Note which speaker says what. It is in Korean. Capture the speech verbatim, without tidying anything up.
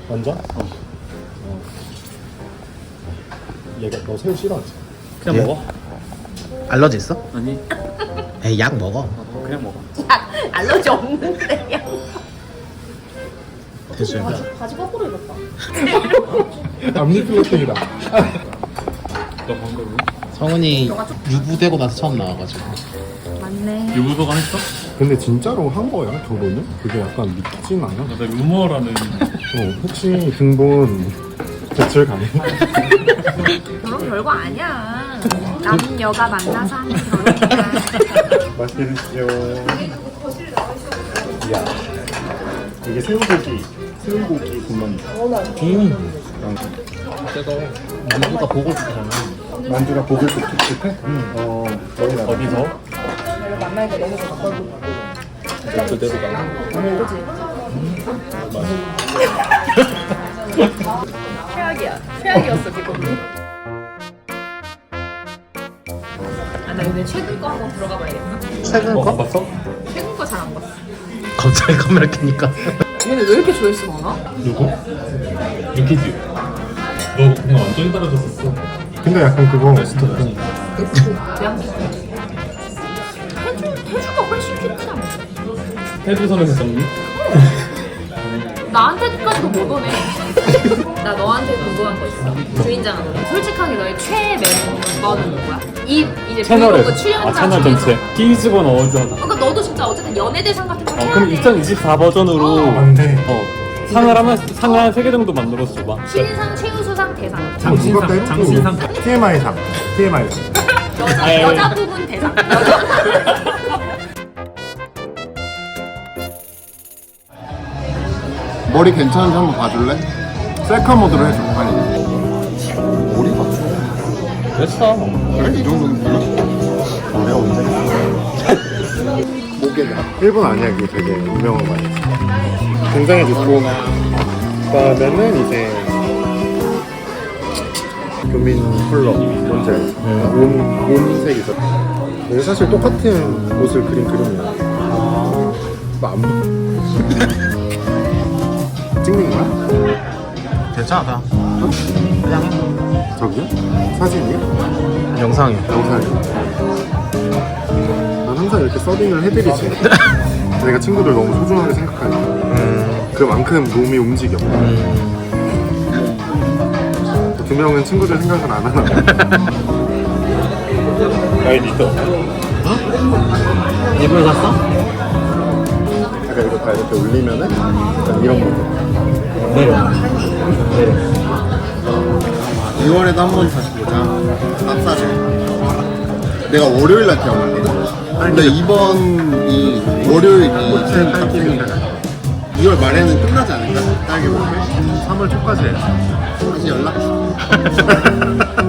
Speaker 1: 완전? 어. 어. 얘가 너 새우 싫어하지?
Speaker 2: 그냥
Speaker 3: 예?
Speaker 2: 먹어.
Speaker 3: 알러지 있어?
Speaker 2: 아니
Speaker 3: 에이 약 먹어.
Speaker 2: 어, 그냥 먹어.
Speaker 4: 야, 알러지 없는데요.
Speaker 3: 됐어요.
Speaker 4: 바지, 바지 거꾸로 입었다.
Speaker 1: 앞니플러팅이다.
Speaker 2: 너 방금
Speaker 3: 성훈이 유부되고 나서 처음 나와가지고.
Speaker 4: 맞네.
Speaker 2: 유부소감 했어?
Speaker 1: 근데 진짜로 한 거야 결혼은? 그게 약간 믿진 않아?
Speaker 2: 나 루머라는.
Speaker 1: 어 혹시 등본 제출 가능?
Speaker 4: 그런 별거 아니야. 남녀가 만나서 하는 결혼이야.
Speaker 1: 맛있게 드시죠. 이야 이게 새우고기 새우고기 군만두.
Speaker 3: 음. 그래도 유부가 보고 싶잖아.
Speaker 1: 만두가 보글도 촉촉해? 응. 어 저희 나라
Speaker 2: 어디서?
Speaker 4: 만나니까 너무 가까워.
Speaker 2: 그대로 가.
Speaker 4: 최악이야. 최악이었어 지금. 아나 이제 최근 거 한번 들어가 봐야겠다.
Speaker 3: 최근
Speaker 2: 어,
Speaker 3: 거?
Speaker 2: 봤어?
Speaker 4: 최근 거 잘 안 봤어.
Speaker 3: 갑자기 카메라 켜니까.
Speaker 4: 얘네 왜 이렇게 조회수 많아?
Speaker 2: 누구? 유키즈. 너 그냥 완전히 떨어졌었어.
Speaker 1: 근데 약간 그거
Speaker 4: 그냥 태주 태주가 훨씬 큐트잖아.
Speaker 2: 태주 선생님.
Speaker 4: 나한테까지도 못 오네. 나 너한테 궁금한 거 있어. 주인장은 솔직하게 너의 최애 멤버는 누구야? 이 이제
Speaker 2: 채널에.
Speaker 4: 브이로그 출연자
Speaker 2: 아 채널
Speaker 4: 중에서.
Speaker 2: 전체. 끼즈건 어워즈하다.
Speaker 4: 그러니까 너도 진짜 어쨌든 연예대상 같은 거
Speaker 2: 어,
Speaker 4: 해야
Speaker 2: 그럼
Speaker 4: 돼.
Speaker 2: 이천이십사 버전으로
Speaker 4: 어.
Speaker 1: 안돼.
Speaker 2: 어 상을 하면 상을 한 세 개 정도 만들었어 봐.
Speaker 4: 신상, 최우수상, 대상.
Speaker 2: 장신상, 장신상.
Speaker 1: 티엠아이상 티엠아이상.
Speaker 4: 여자
Speaker 2: 아예.
Speaker 4: 여자 부분 대상. 여자.
Speaker 5: 머리 괜찮은지 한번 봐줄래? 셀카 모드로 해줘 빨리. 머리 맞춰.
Speaker 2: 됐어.
Speaker 5: 그래? 이 정도는 되나?
Speaker 1: 내가 언제 했어?
Speaker 5: 목에다.
Speaker 1: 일본 아니야 그게 되게 유명한 거 아니야? 굉장히 좋고 그다음에는 이제 교민 컬러 뭔지 알지? 온, 온색이죠. 근데 사실 똑같은 옷을 그린 그림이야. 나안 찍는 거야?
Speaker 3: 괜찮아 그냥. 그냥 해.
Speaker 1: 저기요? 사진이요?
Speaker 3: 영상이.
Speaker 1: 영상이요? 난 항상 이렇게 서빙을 해드리지. 내가 친구들 너무 소중하게 생각하니까.
Speaker 3: 음.
Speaker 1: 그만큼 몸이 움직여.
Speaker 3: 음.
Speaker 1: 두 명은 친구들 생각은 안 하나.
Speaker 2: 나이 리더.
Speaker 3: 일부러 샀어?
Speaker 1: 약간 이거 다 이렇게 올리면은 약간 이런 거.
Speaker 3: 내려. 내려.
Speaker 5: 이월에도 한 번 다시 보자. 납사제. 내가 월요일 날 태어났거든. 근데 이번 이 월요일 이
Speaker 1: 팔
Speaker 5: 이월 말에는 끝나지 않을까? 딸기 먹을.
Speaker 1: 삼월 초까지 해.
Speaker 5: 다시 연락 줘.